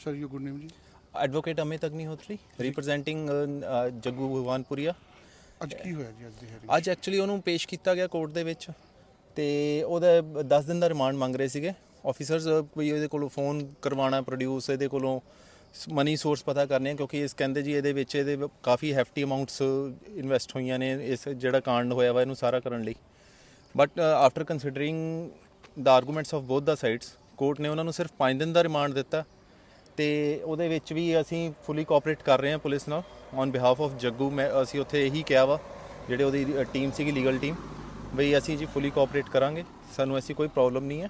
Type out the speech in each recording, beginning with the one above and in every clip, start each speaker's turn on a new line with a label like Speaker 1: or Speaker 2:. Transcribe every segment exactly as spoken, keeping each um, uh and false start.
Speaker 1: Sir, your good name ji?
Speaker 2: Advocate Amit Agnihotri, representing uh, uh, Jaggu Bhagwanpuria.
Speaker 1: ਅੱਜ ਕੀ ਹੋਇਆ ਜੀ ਅੱਜ ਦੀ ਹੈਰੀ?
Speaker 2: ਅੱਜ ਐਕਚੁਅਲੀ ਉਹਨੂੰ ਪੇਸ਼ ਕੀਤਾ ਗਿਆ ਕੋਰਟ ਦੇ ਵਿੱਚ ਤੇ ਉਹਦਾ ਦਸ ਦਿਨ ਦਾ ਰਿਮਾਂਡ ਮੰਗ ਰਹੇ ਸੀਗੇ ਆਫੀਸਰਸ, ਵੀ ਇਹਦੇ ਕੋਲੋਂ ਫੋਨ ਕਰਵਾਉਣਾ ਪ੍ਰੋਡਿਊਸ, ਇਹਦੇ ਕੋਲੋਂ ਮਨੀ ਸੋਰਸ ਪਤਾ ਕਰਨੇ, ਕਿਉਂਕਿ ਇਸ ਕਹਿੰਦੇ ਜੀ ਇਹਦੇ ਵਿੱਚ ਇਹਦੇ ਕਾਫੀ ਹੈਫਟੀ ਅਮਾਊਂਟਸ ਇਨਵੈਸਟ ਹੋਈਆਂ ਨੇ ਇਸ ਜਿਹੜਾ ਕਾਂਡ ਹੋਇਆ ਵਾ ਇਹਨੂੰ ਸਾਰਾ ਕਰਨ ਲਈ। But after considering the arguments of both ਦਾ ਸਾਈਡਸ, ਕੋਰਟ ਨੇ ਉਹਨਾਂ ਨੂੰ ਸਿਰਫ ਪੰਜ ਦਿਨ ਦਾ ਰਿਮਾਂਡ ਦਿੱਤਾ ਤੇ ਉਹਦੇ ਵਿੱਚ ਵੀ ਅਸੀਂ ਫੁੱਲੀ ਕੋਆਪਰੇਟ ਕਰ ਰਹੇ ਹਾਂ ਪੁਲਿਸ ਨਾਲ ਔਨ ਬਿਹਾਫ ਆਫ ਜੱਗੂ। ਮੈਂ ਅਸੀਂ ਉੱਥੇ ਇਹੀ ਕਿਹਾ ਵਾ ਜਿਹੜੇ ਉਹਦੀ ਟੀਮ ਸੀਗੀ ਲੀਗਲ ਟੀਮ, ਬਈ ਅਸੀਂ ਜੀ ਫੁੱਲੀ ਕੋਆਪਰੇਟ ਕਰਾਂਗੇ, ਸਾਨੂੰ ਐਸੀ ਕੋਈ ਪ੍ਰੋਬਲਮ ਨਹੀਂ ਹੈ।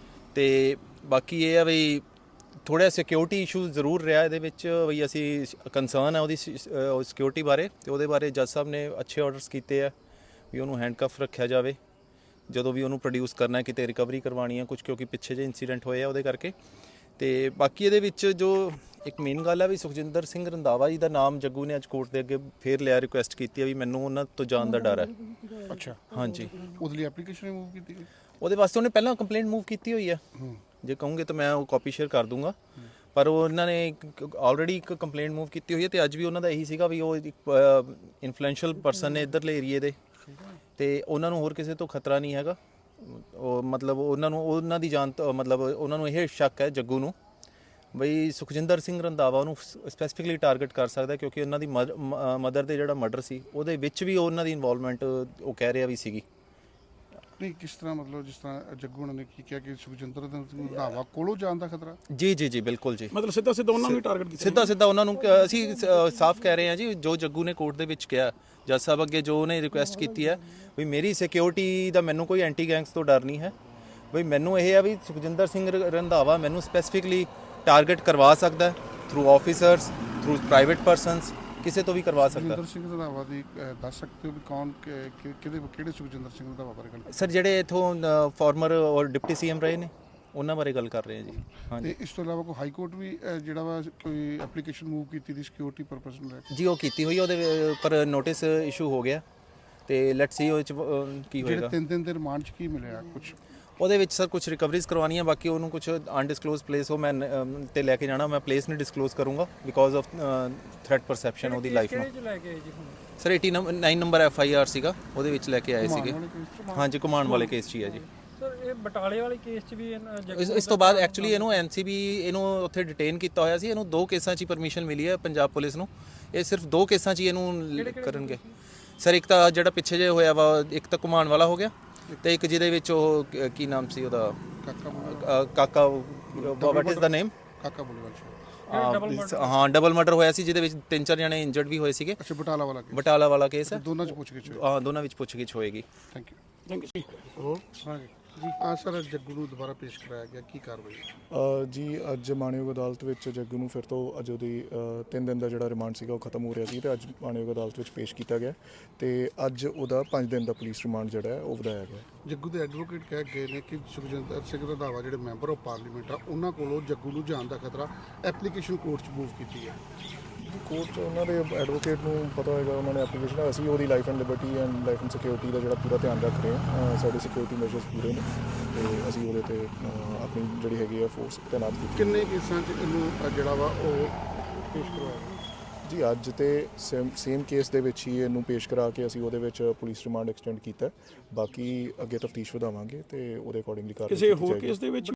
Speaker 2: ਤੇ ਬਾਕੀ ਇਹ ਆ ਬਈ ਥੋੜ੍ਹਾ ਸਿਕਿਉਰਿਟੀ ਇਸ਼ੂ ਜ਼ਰੂਰ ਰਿਹਾ ਇਹਦੇ ਵਿੱਚ, ਬਈ ਅਸੀਂ ਕੰਸਰਨ ਹੈ ਉਹਦੀ ਸਿਕਿਉਰਿਟੀ ਬਾਰੇ, ਤੇ ਉਹਦੇ ਬਾਰੇ ਜੱਜ ਸਾਹਿਬ ਨੇ ਅੱਛੇ ਆਰਡਰਸ ਕੀਤੇ ਆ ਵੀ ਉਹਨੂੰ ਹੈਂਡਕਫ ਰੱਖਿਆ ਜਾਵੇ ਜਦੋਂ ਵੀ ਉਹਨੂੰ ਪ੍ਰੋਡਿਊਸ ਕਰਨਾ, ਕਿਤੇ ਰਿਕਵਰੀ ਕਰਵਾਉਣੀ ਹੈ ਕੁਝ, ਕਿਉਂਕਿ ਪਿੱਛੇ ਜਿਹੇ ਇੰਸੀਡੈਂਟ ਹੋਏ ਆ ਉਹਦੇ ਕਰਕੇ। ਤੇ ਬਾਕੀ ਇਹਦੇ ਵਿੱਚ ਜੋ ਇੱਕ ਮੇਨ ਗੱਲ ਹੈ ਵੀ ਸੁਖਜਿੰਦਰ ਸਿੰਘ ਰੰਧਾਵਾ ਜੀ ਦਾ ਨਾਮ ਜੱਗੂ ਨੇ ਅੱਜ ਕੋਰਟ ਦੇ ਅੱਗੇ ਫੇਰ ਲਿਆ, ਰਿਕੁਐਸਟ ਕੀਤੀ ਹੈ ਵੀ ਮੈਨੂੰ ਉਹਨਾਂ ਤੋਂ ਜਾਣ ਦਾ ਡਰ ਹੈ।
Speaker 1: ਅੱਛਾ,
Speaker 2: ਹਾਂਜੀ,
Speaker 1: ਉਹਦੇ ਲਈ ਐਪਲੀਕੇਸ਼ਨ ਮੂਵ ਕੀਤੀ ਗਈ?
Speaker 2: ਉਹਦੇ ਵਾਸਤੇ ਉਹਨੇ ਪਹਿਲਾਂ ਕੰਪਲੇਂਟ ਮੂਵ ਕੀਤੀ ਹੋਈ ਹੈ, ਜੇ ਕਹੋਗੇ ਤਾਂ ਮੈਂ ਉਹ ਕਾਪੀ ਸ਼ੇਅਰ ਕਰ ਦੂੰਗਾ, ਪਰ ਉਹਨਾਂ ਨੇ ਆਲਰੇਡੀ ਇੱਕ ਕੰਪਲੇਂਟ ਮੂਵ ਕੀਤੀ ਹੋਈ ਹੈ। ਤੇ ਅੱਜ ਵੀ ਉਹਨਾਂ ਦਾ ਇਹੀ ਸੀਗਾ ਵੀ ਉਹ ਇੱਕ ਇਨਫਲੂਐਂਸ਼ੀਅਲ ਪਰਸਨ ਨੇ ਇੱਧਰਲੇ ਏਰੀਏ ਦੇ, ਤੇ ਉਹਨਾਂ ਨੂੰ ਹੋਰ ਕਿਸੇ ਤੋਂ ਖਤਰਾ ਨਹੀਂ ਹੈਗਾ। ਉਹ ਮਤਲਬ ਉਹਨਾਂ ਨੂੰ ਉਹਨਾਂ ਦੀ ਜਾਨ ਮਤਲਬ ਉਹਨਾਂ ਨੂੰ ਇਹ ਸ਼ੱਕ ਹੈ ਜੱਗੂ ਨੂੰ ਬਈ ਸੁਖਜਿੰਦਰ ਸਿੰਘ ਰੰਧਾਵਾ ਉਹਨੂੰ ਸਪੈਸੀਫਿਕਲੀ ਟਾਰਗੇਟ ਕਰ ਸਕਦਾ, ਕਿਉਂਕਿ ਉਹਨਾਂ ਦੀ ਮਦਰ ਦੇ ਜਿਹੜਾ ਮਰਡਰ ਸੀ ਉਹਦੇ ਵਿੱਚ ਵੀ ਉਹਨਾਂ ਦੀ ਇਨਵੋਲਵਮੈਂਟ ਉਹ ਕਹਿ ਰਿਹਾ ਵੀ ਸੀਗੀ।
Speaker 1: ਨਹੀਂ, ਕਿਸ ਤਰ੍ਹਾਂ ਮਤਲਬ ਜਿਸ ਤਰ੍ਹਾਂ ਜੱਗੂ ਉਹਨਾਂ ਨੇ ਕੀ ਕਿਹਾ ਕਿ ਸੁਖਜਿੰਦਰ ਸਿੰਘ ਰੰਧਾਵਾ ਕੋਲੋਂ ਜਾਣ ਦਾ ਖਤਰਾ?
Speaker 2: ਜੀ ਜੀ ਜੀ ਬਿਲਕੁਲ ਜੀ,
Speaker 3: ਮਤਲਬ ਸਿੱਧਾ ਸਿੱਧਾ ਉਹਨਾਂ ਨੂੰ ਟਾਰਗੇਟ ਕੀਤਾ,
Speaker 2: ਸਿੱਧਾ ਸਿੱਧਾ ਉਹਨਾਂ ਨੂੰ ਅਸੀਂ ਸਾਫ਼ ਕਹਿ ਰਹੇ ਹਾਂ ਜੀ, ਜੋ ਜੱਗੂ ਨੇ ਕੋਰਟ ਦੇ ਵਿੱਚ ਕਿਹਾ ਜੱਜ ਸਾਹਿਬ ਅੱਗੇ, ਜੋ ਉਹਨੇ ਰਿਕੁਐਸਟ ਕੀਤੀ ਹੈ ਵੀ ਮੇਰੀ ਸਿਕਿਉਰਿਟੀ ਦਾ ਮੈਨੂੰ ਕੋਈ ਐਂਟੀ ਗੈਂਗਸ ਤੋਂ ਡਰ ਨਹੀਂ ਹੈ, ਬਈ ਮੈਨੂੰ ਇਹ ਆ ਵੀ ਸੁਖਜਿੰਦਰ ਸਿੰਘ ਰੰਧਾਵਾ ਮੈਨੂੰ ਸਪੈਸੀਫਿਕਲੀ ਟਾਰਗੇਟ ਕਰਵਾ ਸਕਦਾ through officers, through private persons, ਕਿਸੇ ਤੋਂ ਵੀ ਕਰਵਾ ਸਕਦਾ।
Speaker 1: ਸੁਖਜਿੰਦਰ ਸਿੰਘ ਰੰਧਾਵਾ ਦੀ ਦੱਸ ਸਕਦੇ ਹੋ ਵੀ ਕੌਣ ਕਿਹਦੇ ਕਿਹੜੇ ਸੁਖਜਿੰਦਰ ਸਿੰਘ ਰੰਧਾਵਾ ਬਾਰੇ ਗੱਲ?
Speaker 2: ਸਰ ਜਿਹੜੇ ਇਥੋਂ ਫਾਰਮਰ ਔਰ ਡਿਪਟੀ ਸੀਐਮ ਰਹੇ ਨੇ ਉਹਨਾਂ ਬਾਰੇ ਗੱਲ ਕਰ ਰਹੇ ਹਾਂ ਜੀ। ਹਾਂਜੀ,
Speaker 1: ਤੇ ਇਸ ਤੋਂ ਇਲਾਵਾ ਕੋਈ ਹਾਈ ਕੋਰਟ ਵੀ ਜਿਹੜਾ ਵਾ ਕੋਈ ਐਪਲੀਕੇਸ਼ਨ ਮੂਵ ਕੀਤੀ ਦੀ ਸਿਕਿਉਰਿਟੀ ਪਰਪਸ ਨੂੰ ਲੈ ਕੇ?
Speaker 2: ਜੀ ਉਹ ਕੀਤੀ ਹੋਈ, ਉਹਦੇ ਉੱਪਰ ਨੋਟਿਸ ਇਸ਼ੂ ਹੋ ਗਿਆ ਤੇ ਲੈਟਸ ਸੀ ਉਹ ਚ ਕੀ ਹੋਏਗਾ।
Speaker 1: ਜਿਹੜੇ ਤਿੰਨ ਦਿਨ ਦੇ ਰਿਮਾਂਡ 'ਚ ਕੀ ਮਿਲਿਆ ਕੁਝ?
Speaker 2: ਉਹਦੇ ਵਿੱਚ ਸਰ ਕੁਝ ਰਿਕਵਰੀਜ਼ ਕਰਵਾਉਣੀਆਂ, ਬਾਕੀ ਉਹਨੂੰ ਕੁਝ ਅਨਡਿਸਕਲੋਜ਼ ਪਲੇਸ ਉਹ ਮੈਂ ਤੇ ਲੈ ਕੇ ਜਾਣਾ, ਮੈਂ ਪਲੇਸ ਨਹੀਂ ਡਿਸਕਲੋਜ਼ ਕਰੂੰਗਾ ਬਿਕੋਜ਼ ਆਫ ਥ੍ਰੈਟ ਪਰਸੈਪਸ਼ਨ ਉਹਦੀ ਲਾਈਫ ਨੂੰ। Sir eighty nine number F I R ਸੀਗਾ, ਉਹਦੇ ਵਿੱਚ ਲੈ ਕੇ ਆਏ ਸੀਗੇ। ਹਾਂਜੀ, ਘੁਮਾਉਣ ਵਾਲੇ ਕੇਸ 'ਚ ਹੀ ਹੈ ਜੀ।
Speaker 4: ਸਰ ਇਹ ਬਟਾਲੇ ਵਾਲੇ ਕੇਸ 'ਚ ਵੀ
Speaker 2: ਇਸ ਤੋਂ ਬਾਅਦ ਐਕਚੁਅਲੀ ਇਹਨੂੰ ਐਨਸੀਬੀ ਇਹਨੂੰ ਉੱਥੇ ਡਿਟੇਨ ਕੀਤਾ ਹੋਇਆ ਸੀ, ਇਹਨੂੰ ਦੋ ਕੇਸਾਂ 'ਚ ਹੀ ਪਰਮਿਸ਼ਨ ਮਿਲੀ ਹੈ ਪੰਜਾਬ ਪੁਲਿਸ ਨੂੰ, ਇਹ ਸਿਰਫ ਦੋ ਕੇਸਾਂ 'ਚ ਹੀ ਇਹਨੂੰ ਕਰਨਗੇ। ਸਰ ਇੱਕ ਤਾਂ ਜਿਹੜਾ ਪਿੱਛੇ ਜੇ ਹੋਇਆ ਵਾ, ਇੱਕ ਤਾਂ ਘੁਮਾਉਣ ਵਾਲਾ ਹੋ ਗਿਆ, ਤੇ ਇੱਕ ਜਿਹਦੇ ਵਿੱਚ ਉਹ ਕੀ ਨਾਮ ਸੀ ਉਹਦਾ, ਕਾਕਾ, ਵਾਟ ਇਜ਼ ਦਾ ਨੇਮ?
Speaker 1: ਕਾਕਾ ਬੋਲੇਵਾਲ।
Speaker 2: ਹਾਂ, ਡਬਲ ਮਰਡਰ ਹੋਇਆ ਸੀ ਜਿਹਦੇ ਵਿੱਚ ਤਿੰਨ ਚਾਰ ਜਣੇ ਇੰਜਰਡ ਵੀ ਹੋਏ ਸੀਗੇ।
Speaker 1: ਅੱਛਾ, ਬਟਾਲਾ ਵਾਲਾ ਕੇਸ?
Speaker 2: ਬਟਾਲਾ ਵਾਲਾ ਕੇਸ ਹੈ,
Speaker 1: ਦੋਨਾਂ 'ਚ ਪੁੱਛਗਿੱਛ?
Speaker 2: ਹਾਂ, ਦੋਨਾਂ ਵਿੱਚ ਪੁੱਛਗਿੱਛ ਹੋਏਗੀ।
Speaker 1: Thank you.
Speaker 3: ਥੈਂਕ ਯੂ
Speaker 1: ਹੋਰ ਹਾਂ ਜੀ, ਆ ਸਰ ਜੱਗੂ ਨੂੰ ਦੁਬਾਰਾ ਪੇਸ਼ ਕਰਾਇਆ ਗਿਆ, ਕੀ ਕਾਰਵਾਈ?
Speaker 5: ਜੀ ਅੱਜ ਮਾਣਯੋਗ ਅਦਾਲਤ ਵਿੱਚ ਜੱਗੂ ਨੂੰ ਫਿਰ ਤੋਂ ਅੱਜ ਉਹਦੀ ਤਿੰਨ ਦਿਨ ਦਾ ਜਿਹੜਾ ਰਿਮਾਂਡ ਸੀਗਾ ਉਹ ਖਤਮ ਹੋ ਰਿਹਾ ਸੀ, ਤੇ ਅੱਜ ਮਾਣਯੋਗ ਅਦਾਲਤ ਵਿੱਚ ਪੇਸ਼ ਕੀਤਾ ਗਿਆ, ਤੇ ਅੱਜ ਉਹਦਾ ਪੰਜ ਦਿਨ ਦਾ ਪੁਲਿਸ ਰਿਮਾਂਡ ਜਿਹੜਾ ਹੈ ਉਹ ਵਧਾਇਆ ਗਿਆ।
Speaker 1: ਜੱਗੂ ਦੇ ਐਡਵੋਕੇਟ ਕਹਿ ਗਏ ਨੇ ਕਿ ਸੁਖਜਿੰਦਰ ਸਿੰਘ ਰੰਧਾਵਾ ਜਿਹੜੇ ਮੈਂਬਰ ਆਫ ਪਾਰਲੀਮੈਂਟ ਆ ਉਹਨਾਂ ਕੋਲੋਂ ਜੱਗੂ ਨੂੰ ਜਾਣ ਦਾ ਖਤਰਾ, ਐਪਲੀਕੇਸ਼ਨ ਕੋਰਟ 'ਚ ਮੂਵ ਕੀਤੀ ਹੈ।
Speaker 5: ਕੋਰਟ 'ਚ ਉਹਨਾਂ ਦੇ ਐਡਵੋਕੇਟ ਨੂੰ ਪਤਾ ਹੋਏਗਾ, ਉਹਨਾਂ ਨੇ ਐਪਲੀਕੇਸ਼ਨ, ਅਸੀਂ ਉਹਦੀ life and liberty and life and security ਦਾ ਜਿਹੜਾ ਪੂਰਾ ਧਿਆਨ ਰੱਖ ਰਹੇ ਹਾਂ, ਸਾਡੇ ਸਿਕਿਉਰਿਟੀ ਮੈਜਰਸ ਪੂਰੇ ਨੇ, ਤੇ ਅਸੀਂ ਉਹਦੇ 'ਤੇ ਆਪਣੀ ਜਿਹੜੀ ਹੈਗੀ ਆ ਫੋਰਸ ਤੈਨਾਤ ਕੀਤੀ।
Speaker 1: ਕਿੰਨੇ ਕੇਸਾਂ 'ਚ ਇਹਨੂੰ ਜਿਹੜਾ ਵਾ ਉਹ ਪੇਸ਼ ਕਰਵਾਇਆ
Speaker 5: ਜੀ? ਅੱਜ ਤੇ ਸੇਮ ਸੇਮ ਕੇਸ ਦੇ ਵਿੱਚ ਹੀ ਇਹਨੂੰ ਪੇਸ਼ ਕਰਾ ਕੇ ਅਸੀਂ ਉਹਦੇ ਵਿੱਚ ਪੁਲਿਸ ਰਿਮਾਂਡ ਐਕਸਟੈਂਡ ਕੀਤਾ, ਬਾਕੀ ਅੱਗੇ ਤਫਤੀਸ਼ ਵਧਾਵਾਂਗੇ ਤੇ ਉਹਦੇ ਅਕੋਰਡਿੰਗਲੀ ਕਾਰਵਾਈ
Speaker 3: ਕਿਸੇ ਹੋਰ ਕੇਸ ਦੇ ਵਿੱਚ